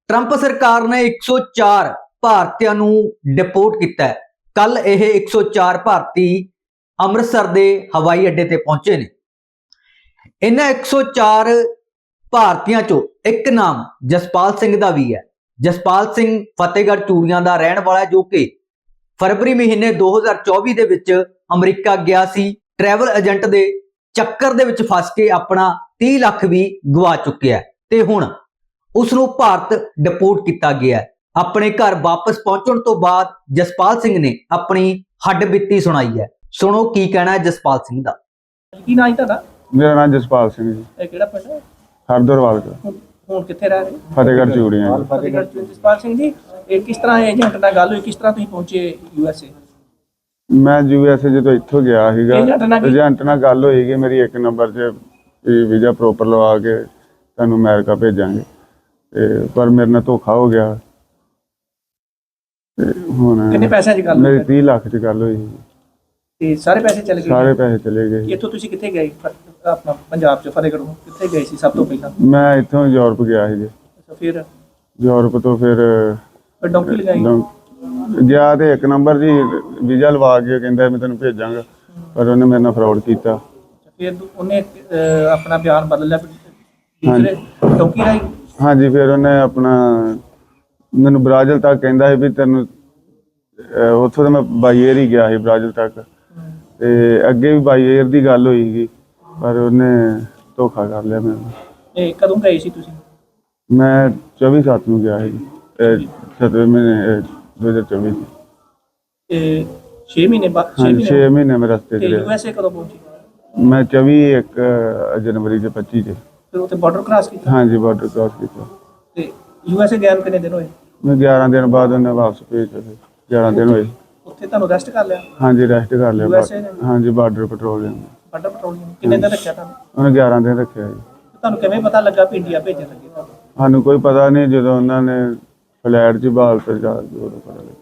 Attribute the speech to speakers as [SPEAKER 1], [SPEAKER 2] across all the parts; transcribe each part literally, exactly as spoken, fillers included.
[SPEAKER 1] Trump सरकार ने एक सौ चार भारतीयों ਨੂੰ डिपोर्ट ਕੀਤਾ ਹੈ। ਕੱਲ ਇਹ एक सौ चार ਭਾਰਤੀ ਅੰਮ੍ਰਿਤਸਰ ਦੇ ਹਵਾਈ ਅੱਡੇ ਤੇ ਪਹੁੰਚੇ ਨੇ। ਇਹਨਾਂ एक सौ चार ਭਾਰਤੀਆਂ ਚੋਂ ਇੱਕ ਨਾਮ ਜਸਪਾਲ ਸਿੰਘ ਦਾ ਵੀ ਹੈ। ਜਸਪਾਲ ਸਿੰਘ ਫਤਿਹਗੜ੍ਹ ਚੂੜੀਆਂ ਦਾ ਰਹਿਣ ਵਾਲਾ ਹੈ, ਜੋ ਕਿ फरवरी महीने दो हज़ार चौबीस ਦੇ ਵਿੱਚ ਅਮਰੀਕਾ ਗਿਆ ਸੀ। ट्रैवल एजेंट ਦੇ ਚੱਕਰ ਦੇ ਵਿੱਚ ਫਸ ਕੇ ਆਪਣਾ तीस ਲੱਖ ਵੀ ਗਵਾ ਚੁੱਕਿਆ ਤੇ ਹੁਣ ਉਸ ਨੂੰ ਭਾਰਤ ਡਿਪੋਰਟ ਕੀਤਾ ਗਿਆ। ਆਪਣੇ ਘਰ ਵਾਪਸ ਪਹੁੰਚਣ ਤੋਂ ਬਾਅਦ ਜਸਪਾਲ ਸਿੰਘ ਨੇ ਆਪਣੀ ਹੱਡਬੀਤੀ ਸੁਣਾਈ ਹੈ। ਸੁਣੋ ਕੀ ਕਹਿਣਾ ਹੈ ਜਸਪਾਲ ਸਿੰਘ ਦਾ।
[SPEAKER 2] ਕੀ ਨਾਮ ਹੈ ਤੁਹਾਡਾ?
[SPEAKER 3] ਮੇਰਾ ਨਾਮ ਜਸਪਾਲ ਸਿੰਘ ਜੀ।
[SPEAKER 2] ਇਹ ਕਿਹੜਾ ਪਿੰਡ ਹੈ?
[SPEAKER 3] ਹਰਦਰਵਾਲ ਦਾ।
[SPEAKER 2] ਹੁਣ ਕਿੱਥੇ ਰਹਿ ਰਹੇ?
[SPEAKER 3] ਫਤਿਹਗੜ੍ਹ ਚੂੜੀਆਂ।
[SPEAKER 2] ਫਤਿਹਗੜ੍ਹ ਚੂੜੀਆਂ। ਜਸਪਾਲ ਸਿੰਘ ਜੀ, ਇਹ ਕਿਸ ਤਰ੍ਹਾਂ ਏਜੰਟ ਨਾਲ ਗੱਲ ਹੋਈ, ਕਿਸ ਤਰ੍ਹਾਂ ਤੁਸੀਂ ਪਹੁੰਚੇ ਯੂ ਐਸ ਏ?
[SPEAKER 3] ਮੈਂ ਯੂ ਐਸ ਏ ਜਦੋਂ ਇੱਥੋਂ ਗਿਆ ਸੀਗਾ,
[SPEAKER 2] ਏਜੰਟ ਨਾਲ ਕੀ-
[SPEAKER 3] ਏਜੰਟ ਨਾਲ ਗੱਲ ਹੋਈ ਕਿ ਮੇਰੀ ਇੱਕ ਨੰਬਰ 'ਚ ਵੀਜ਼ਾ ਪ੍ਰੋਪਰ ਲਵਾ ਕੇ ਤੁਹਾਨੂੰ ਅਮਰੀਕਾ ਭੇਜਾਂਗੇ, ਤੇ ਪਰ ਮੇਰੇ ਨਾਲ ਧੋਖਾ ਹੋ ਗਿਆ। ਤੇ ਹੁਣ
[SPEAKER 2] ਕਿੰਨੇ ਪੈਸਿਆਂ 'ਚ ਗੱਲ
[SPEAKER 3] ਮੇਰੀ
[SPEAKER 2] ਹੋਈ?
[SPEAKER 3] तीस ਲੱਖ 'ਚ ਗੱਲ ਹੋਈ ਸੀ।
[SPEAKER 2] ਤੇ ਸਾਰੇ ਪੈਸੇ ਚਲੇ ਗਏ?
[SPEAKER 3] ਸਾਰੇ ਪੈਸੇ ਚਲੇ ਗਏ।
[SPEAKER 2] ਇੱਥੋਂ ਤੁਸੀਂ ਕਿੱਥੇ ਗਏ? ਫ- ਆਪਣਾ ਪੰਜਾਬ 'ਚ ਫਤਿਹਗੜ੍ਹੋਂ ਕਿੱਥੇ ਗਏ ਸੀ ਸਭ ਤੋਂ ਪਹਿਲਾਂ?
[SPEAKER 3] ਮੈਂ ਇੱਥੋਂ ਯੂਰਪ ਗਿਆ ਸੀ ਜੀ।
[SPEAKER 2] ਅੱਛਾ, ਫਿਰ
[SPEAKER 3] ਯੂਰਪ ਤੋਂ ਫਿਰ
[SPEAKER 2] ਫਿਰ ਡੌਂਕੀ ਲਗਾਈ?
[SPEAKER 3] ਡੌਂ- ਗਿਆ ਤੇ ਇੱਕ ਨੰਬਰ ਜੀ ਵੀਜ਼ਾ ਲਵਾ ਕੇ ਕਹਿੰਦਾ ਮੈਂ ਤੈਨੂੰ ਭੇਜਾਂਗਾ, ਪਰ ਉਹਨੇ ਮੇਰੇ ਨਾਲ ਫਰਾਡ ਕੀਤਾ।
[SPEAKER 2] ਫਿਰ ਉਹਨੇ ਅਹ, ਆਪਣਾ ਬਿਆਨ ਬਦਲ ਲਿਆ ਦੂਸਰੇ ਡੌਂਕੀ ਰਾਈ?
[SPEAKER 3] ਹਾਂਜੀ, ਫਿਰ ਉਹਨੇ ਆਪਣਾ ਮੈਨੂੰ ਬ੍ਰਾਜ਼ਿਲ ਤੱਕ ਕਹਿੰਦਾ ਸੀ ਵੀ ਤੈਨੂੰ ਅਹ ਉੱਥੋਂ ਤਾਂ ਮੈਂ ਬਾਈ ਏਅਰ ਹੀ ਗਿਆ ਸੀ ਬ੍ਰਾਜ਼ਿਲ ਤੱਕ, ਤੇ ਅੱਗੇ ਵੀ ਬਾਈ ਏਅਰ ਦੀ ਗੱਲ ਹੋਈ ਸੀ, ਪਰ ਉਹਨੇ ਧੋਖਾ ਕਰ ਲਿਆ ਮੈਨੂੰ।
[SPEAKER 2] ਇਹ ਕਦੋਂ ਗਏ ਸੀ ਤੁਸੀਂ?
[SPEAKER 3] ਮੈਂ ਚੌਵੀ ਸੱਤ ਨੂੰ ਗਿਆ ਸੀ, ਸੱਤਵੇਂ ਮਹੀਨੇ ਦੋ ਹਜ਼ਾਰ ਚੌਵੀ ਚ।
[SPEAKER 2] ਇਹ ਛੇ ਮਹੀਨੇ ਬਾਅਦ? ਛੇ
[SPEAKER 3] ਹਾਂਜੀ,
[SPEAKER 2] ਮਹੀਨੇ
[SPEAKER 3] ਛੇ ਮਹੀਨੇ ਮੈਂ ਰਸਤੇ 'ਚ
[SPEAKER 2] ਤੇ ਯੂ
[SPEAKER 3] ਰਿਹਾ।
[SPEAKER 2] ਐਸ ਏ ਕਦੋਂ ਪਹੁੰਚੇ?
[SPEAKER 3] ਮੈਂ ਚੌਵੀ ਇੱਕ ਜਨਵਰੀ ਦੇ ਪੱਚੀ ਚ।
[SPEAKER 2] ਫਿਰ ਉੱਥੇ ਬਾਰਡਰ ਕ੍ਰਾਸ ਕੀਤਾ?
[SPEAKER 3] ਹਾਂਜੀ, ਬਾਰਡਰ ਕ੍ਰਾਸ ਕੀਤਾ।
[SPEAKER 2] ਤੇ ਯੂ ਐਸ ਏ ਗਿਆ ਨੂੰ ਕਿੰਨੇ ਦਿਨ ਹੋਏ?
[SPEAKER 3] ਮੈਂ ਗਿਆਰਾਂ ਦਿਨ ਬਾਅਦ ਉਹਨੇ ਵਾਪਸ ਭੇਜਿਆ। ਫਿਰ ਗਿਆਰਾਂ ਦਿਨ ਹੋਏ।
[SPEAKER 2] ਉੱਥੇ ਤੁਹਾਨੂੰ ਰੈਸਟ ਕਰ ਲਿਆ
[SPEAKER 3] ਹਾਂਜੀ, ਰੈਸਟ ਕਰ ਲਿਆ।
[SPEAKER 2] U S A ਨੇ?
[SPEAKER 3] ਹਾਂਜੀ, ਬਾਰਡਰ ਪੈਟਰੋਲਿੰਗ।
[SPEAKER 2] ਬਾਰਡਰ ਪੈਟਰੋਲਿੰਗ ਕਿੰਨੇ ਦਿਨ ਰੱਖਿਆ ਤੁਹਾਨੂੰ?
[SPEAKER 3] ਉਹਨੇ ਗਿਆਰਾਂ ਦਿਨ ਰੱਖਿਆ ਜੀ।
[SPEAKER 2] ਤੁਹਾਨੂੰ ਕਿਵੇਂ ਪਤਾ ਲੱਗਾ ਵੀ ਇੰਡੀਆ ਭੇਜਣ ਲੱਗੇ ਤੁਹਾਨੂੰ?
[SPEAKER 3] ਸਾਨੂੰ ਕੋਈ ਪਤਾ ਨਹੀਂ, ਜਦੋਂ ਉਹਨਾਂ ਨੇ ਫਲੈਟ 'ਚ ਬਾਲ ਤੇ ਜਾ ਕੇ ਉਦੋਂ ਪਤਾ ਲੱਗਾ।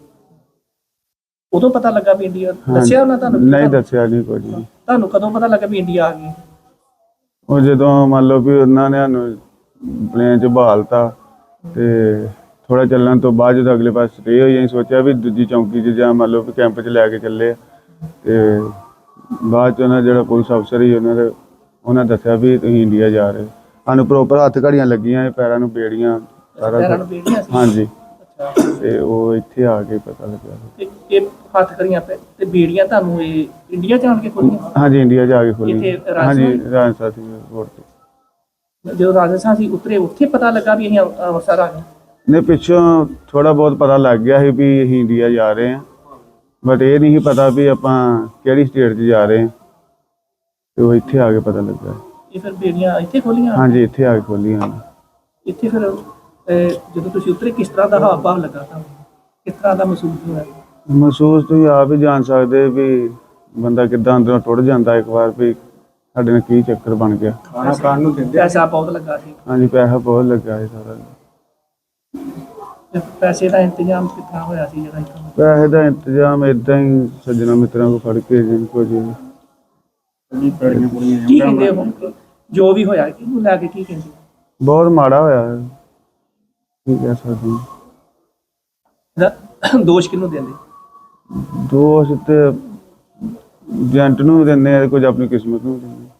[SPEAKER 2] ਉਦੋਂ ਪਤਾ ਲੱਗਾ ਵੀ ਇੰਡੀਆ?
[SPEAKER 3] ਹਾਂਜੀ।
[SPEAKER 2] ਦੱਸਿਆ ਉਹਨਾਂ ਤੁਹਾਨੂੰ?
[SPEAKER 3] ਨਹੀਂ ਦੱਸਿਆ ਨਹੀਂ ਕੁਝ ਵੀ।
[SPEAKER 2] ਤੁਹਾਨੂੰ ਕਦੋਂ ਪਤਾ ਲੱਗਾ ਵੀ ਇੰਡੀਆ ਆ ਗਈ?
[SPEAKER 3] ਉਹ ਜਦੋਂ ਮੰਨ ਲਓ ਵੀ ਉਹਨਾਂ ਨੇ ਸਾਨੂੰ ਪਲੇਨ 'ਚ ਬਹਾਲਤਾ, ਤੇ ਥੋੜਾ ਚੱਲਣ ਤੋਂ ਬਾਅਦ ਜਦੋਂ ਅਗਲੇ ਪਾਸੇ ਸਟੇ ਹੋਈ, ਅਸੀਂ ਸੋਚਿਆ ਵੀ ਦੂਜੀ ਚੌਂਕੀ 'ਚ ਜਾਂ ਮੰਨ ਲਓ ਵੀ ਕੈਂਪ 'ਚ ਲੈ ਕੇ ਚੱਲੇ ਆ, ਤੇ ਬਾਅਦ 'ਚ ਉਹਨਾਂ ਜਿਹੜਾ ਪੁਲਿਸ ਅਫਸਰ ਸੀ ਉਹਨਾਂ ਦੇ ਉਹਨਾਂ ਦੱਸਿਆ ਵੀ ਤੁਸੀਂ ਇੰਡੀਆ ਜਾ ਰਹੇ। ਸਾਨੂੰ ਪ੍ਰੋਪਰ ਹੱਥ ਘੜੀਆਂ ਲੱਗੀਆਂ, ਪੈਰਾਂ ਨੂੰ ਬੇੜੀਆਂ, ਸਾਰਾ
[SPEAKER 2] ਪੈਰਾਂ
[SPEAKER 3] ਕੁਛ।
[SPEAKER 2] ਨੂੰ ਬੇੜੀਆਂ ਸੀ?
[SPEAKER 3] ਹਾਂਜੀ,
[SPEAKER 2] ਅੱਛਾ।
[SPEAKER 3] ਤੇ ਉਹ ਇੱਥੇ ਆ ਕੇ ਪਤਾ ਲੱਗਾ।
[SPEAKER 2] ਤੇ ਇਹ ਹੱਥ ਕਰੀਆਂ ਪੈ ਤੇ ਬੇੜੀਆਂ ਤੁਹਾਨੂੰ ਇਹ ਇੰਡੀਆ ਜਾਣ ਕੇ ਖੋਲੀਆਂ?
[SPEAKER 3] ਹਾਂਜੀ, ਇੰਡੀਆ ਜਾ ਕੇ ਖੋਲੀ।
[SPEAKER 2] ਇੱਥੇ
[SPEAKER 3] ਹਾਂਜੀ,
[SPEAKER 2] ਰਾਜਸਥਾਨ?
[SPEAKER 3] ਰਾਜਸਥਾਨ ਸੀ ਰੋਡ ਤੇ।
[SPEAKER 2] ਜਦੋਂ ਰਾਜਸਥਾਨ ਸੀ ਉਤਰੇ, ਉੱਥੇ ਪਤਾ ਲੱਗਾ ਵੀ ਅਸੀਂ ਅੰਮ੍ਰਿ- ਅੰਮ੍ਰਿਤਸਰ ਆ ਗਏ?
[SPEAKER 3] ਨੇ ਪਿੱਛੋਂ ਥੋੜਾ ਬਹੁਤ ਪਤਾ ਲੱਗ ਗਿਆ ਸੀ ਵੀ ਅਸੀਂ ਇੰਡੀਆ ਜਾ ਰਹੇ ਹਾਂ, ਬਟ ਇਹ ਨਹੀਂ ਸੀ ਪਤਾ ਵੀ ਆਪਾਂ ਕਿਹੜੀ ਸਟੇਟ 'ਚ ਜਾ ਰਹੇ ਹਾਂ, ਤੇ ਉਹ ਇੱਥੇ ਆ ਕੇ ਪਤਾ ਲੱਗਾ।
[SPEAKER 2] ਇਹ ਫਿਰ ਬੇੜੀਆਂ ਇੱਥੇ ਖੋਲੀਆਂ?
[SPEAKER 3] ਹਾਂਜੀ, ਇੱਥੇ ਆ ਕੇ ਖੋਲੀਆਂ।
[SPEAKER 2] ਇੱਥੇ ਫਿਰ ਅਹ, ਜਦੋਂ ਤੁਸੀਂ ਉਤਰੇ ਕਿਸ ਤਰ੍ਹਾਂ ਦਾ ਹਾਵ ਭਾਵ ਲੱਗਾ ਤੁਹਾਨੂੰ? ਕਿਸ ਤਰ੍ਹਾਂ ਦਾ ਮਹਿਸੂਸ ਹੋਇਆ?
[SPEAKER 3] ਮਹਿਸੂਸ ਤੁਸੀਂ ਆਪ ਹੀ ਜਾਣ ਸਕਦੇ ਵੀ ਬੰਦਾ ਕਿੱਦਾਂ ਅੰਦਰੋਂ ਟੁੱਟ ਜਾਂਦਾ ਇੱਕ ਵਾਰ, ਵੀ ਸਾਡੇ ਨਾਲ ਕੀ ਚੱਕਰ ਬਣ ਗਿਆ।
[SPEAKER 2] ਖਾਣਾ ਖਾਣ ਨੂੰ ਦਿੰਦੇ? ਪੈਸਾ ਬਹੁਤ ਲੱਗਾ ਸੀ?
[SPEAKER 3] ਹਾਂਜੀ, ਪੈਸਾ ਬਹੁਤ ਲੱਗਾ ਸੀ ਸਾਰਾ।
[SPEAKER 2] ਤੇ ਪੈਸੇ ਦਾ ਇੰਤਜ਼ਾਮ ਕਿੱਥਾਂ ਹੋਇਆ ਸੀ ਜਿਹੜਾ ਇੱਥੋਂ?
[SPEAKER 3] ਪੈਸੇ ਦਾ ਇੰਤਜ਼ਾਮ ਏਦਾਂ ਹੀ ਸੱਜਣਾ ਮਿੱਤਰਾਂ ਕੋਲ ਫੜ ਕੇ ਜਿੰਨ ਕੋ ਜੀ।
[SPEAKER 2] ਕੀ ਕਹਿੰਦੇ ਹੁਣ ਜੋ ਵੀ ਹੋਇਆ ਕਿਹਨੂੰ ਲੈ ਕੇ ਕੀ ਕਹਿੰਦੇ?
[SPEAKER 3] ਬਹੁਤ ਮਾੜਾ ਹੋਇਆ ਹੈ, ਕੀ ਕਹਿ ਸਕਦੇ ਹਾਂ।
[SPEAKER 2] ਇਹਦਾ ਦੋਸ਼ ਕਿਹਨੂੰ ਦਿੰਦੇ?
[SPEAKER 3] ਦੋਸ਼ ਤੇ ਏਜੰਟ ਨੂੰ ਵੀ ਦਿੰਦੇ ਆ, ਕੁਝ ਆਪਣੀ ਕਿਸਮਤ ਨੂੰ ਵੀ ਦਿੰਦੇ ਆ।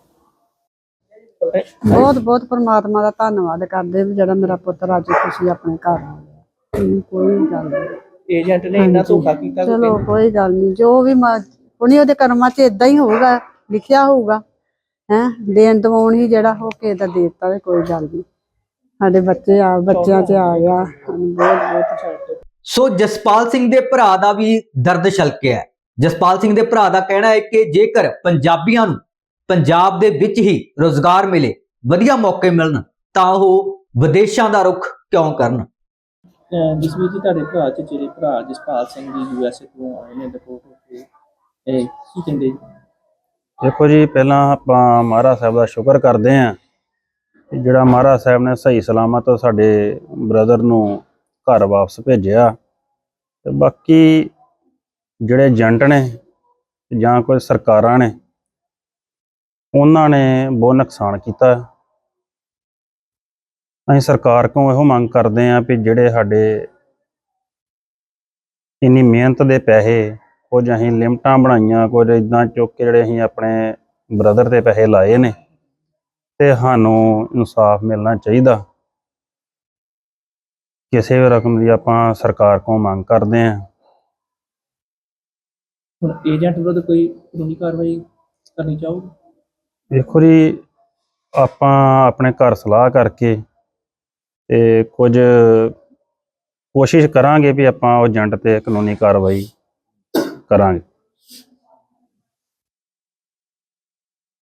[SPEAKER 4] ਬਹੁਤ ਬਹੁਤ ਪਰਮਾਤਮਾ ਦਾ ਧੰਨਵਾਦ ਕਰਦੇ ਵੀ ਜਿਹੜਾ ਮੇਰਾ ਪੁੱਤਰ ਅੱਜ ਤੁਸੀਂ ਆਪਣੇ ਘਰ ਆ ਗਿਆ। ਹਮ, ਕੋਈ ਗੱਲ ਨਹੀਂ।
[SPEAKER 2] ਏਜੰਟ ਨੇ ਇੰਨਾ ਧੋਖਾ ਕੀਤਾ ਕਿ
[SPEAKER 4] ਚਲੋ ਕੋਈ ਗੱਲ ਨਹੀਂ, ਜੋ ਵੀ ਉਹਨੇ ਉਹਦੇ ਕਰਮਾਂ 'ਚ ਇਦਾਂ ਹੀ ਹੋਊਗਾ, ਲਿਖਿਆ ਹੋਊਗਾ। ਹੈ ਦੇਣ ਦਵਾਉਣ ਹੀ ਜਿਹੜਾ ਹੋ ਕੇ ਦਾ ਦੇ ਦਿੱਤਾ, ਤੇ ਕੋਈ ਗੱਲ ਨਹੀਂ। ਸਾਡੇ ਬੱਚੇ ਆ ਬੱਚਿਆਂ 'ਚ ਆ ਗਿਆ, ਸਾਨੂੰ ਬਹੁਤ ਬਹੁਤ।
[SPEAKER 1] ਸੋ ਜਸਪਾਲ ਸਿੰਘ ਦੇ ਭਰਾ ਦਾ ਵੀ ਦਰਦ ਛਲਕਿਆ ਹੈ। ਜਸਪਾਲ ਸਿੰਘ ਦੇ ਭਰਾ ਦਾ ਕਹਿਣਾ ਹੈ ਕਿ ਜੇਕਰ ਪੰਜਾਬੀਆਂ ਨੂੰ ਪੰਜਾਬ ਦੇ ਵਿੱਚ ਹੀ ਰੋਜ਼ਗਾਰ ਮਿਲੇ, ਵਧੀਆ ਮੌਕੇ ਮਿਲਣ, ਤਾਂ ਉਹ ਵਿਦੇਸ਼ਾਂ ਦਾ ਰੁਖ ਕਿਉਂ ਕਰਨ।
[SPEAKER 2] ਜਿਸ ਵਿੱਚ ਤੁਹਾਡੇ ਭਰਾ ਚ ਜਿਹੜੇ ਭਰਾ ਜਸਪਾਲ ਸਿੰਘ ਜੀ ਯੂ ਐਸ ਏ ਤੋਂ ਆਏ ਨੇ ਡਿਪੋਰਟ ਹੋ ਕੇ, ਇਹ ਕੀ ਕਹਿੰਦੇ?
[SPEAKER 5] ਦੇਖੋ ਜੀ, ਪਹਿਲਾਂ ਆਪਾਂ ਮਹਾਰਾਜ ਸਾਹਿਬ ਦਾ ਸ਼ੁਕਰ ਕਰਦੇ ਹਾਂ ਕਿ ਜਿਹੜਾ ਮਹਾਰਾਜ ਸਾਹਿਬ ਨੇ ਸਹੀ ਸਲਾਮਤ ਸਾਡੇ ਬ੍ਰਦਰ ਨੂੰ ਘਰ ਵਾਪਸ ਭੇਜਿਆ। ਤੇ ਬਾਕੀ ਜਿਹੜੇ ਏਜੰਟ ਨੇ ਜਾਂ ਕੋਈ ਸਰਕਾਰਾਂ ਨੇ, ਉਹਨਾਂ ਨੇ ਬਹੁਤ ਨੁਕਸਾਨ ਕੀਤਾ। ਅਸੀਂ ਸਰਕਾਰ ਕੋਲੋਂ ਇਹੋ ਮੰਗ ਕਰਦੇ ਹਾਂ ਵੀ ਜਿਹੜੇ ਸਾਡੇ ਇੰਨੀ ਮਿਹਨਤ ਦੇ ਪੈਸੇ, ਕੁਝ ਅਸੀਂ ਲਿਮਟਾਂ ਬਣਾਈਆਂ, ਕੁਝ ਇਦਾਂ ਚੁੱਕ ਕੇ ਜਿਹੜੇ ਅਸੀਂ ਆਪਣੇ ਬ੍ਰਦਰ ਤੇ ਪੈਸੇ ਲਾਏ ਨੇ, ਤੇ ਸਾਨੂੰ ਇਨਸਾਫ ਮਿਲਣਾ ਚਾਹੀਦਾ। ਕਿਸੇ ਵੀ ਰਕਮ ਦੀ ਆਪਾਂ ਸਰਕਾਰ ਕੋਲੋਂ ਮੰਗ ਕਰਦੇ ਹਾਂ।
[SPEAKER 2] ਹੁਣ ਏਜੰਟ ਵਿਰੁੱਧ ਕੋਈ ਕਾਨੂੰਨੀ ਕਾਰਵਾਈ ਕਰਨੀ ਚਾਹੋਗੇ?
[SPEAKER 5] ਦੇਖੋ ਜੀ, ਆਪਾਂ ਆਪਣੇ ਘਰ ਸਲਾਹ ਕਰਕੇ ਤੇ ਕੁਝ ਕੋਸ਼ਿਸ਼ ਕਰਾਂਗੇ ਵੀ ਆਪਾਂ ਉਹ ਏਜੰਟ ਤੇ ਕਾਨੂੰਨੀ ਕਾਰਵਾਈ ਕਰਾਂਗੇ।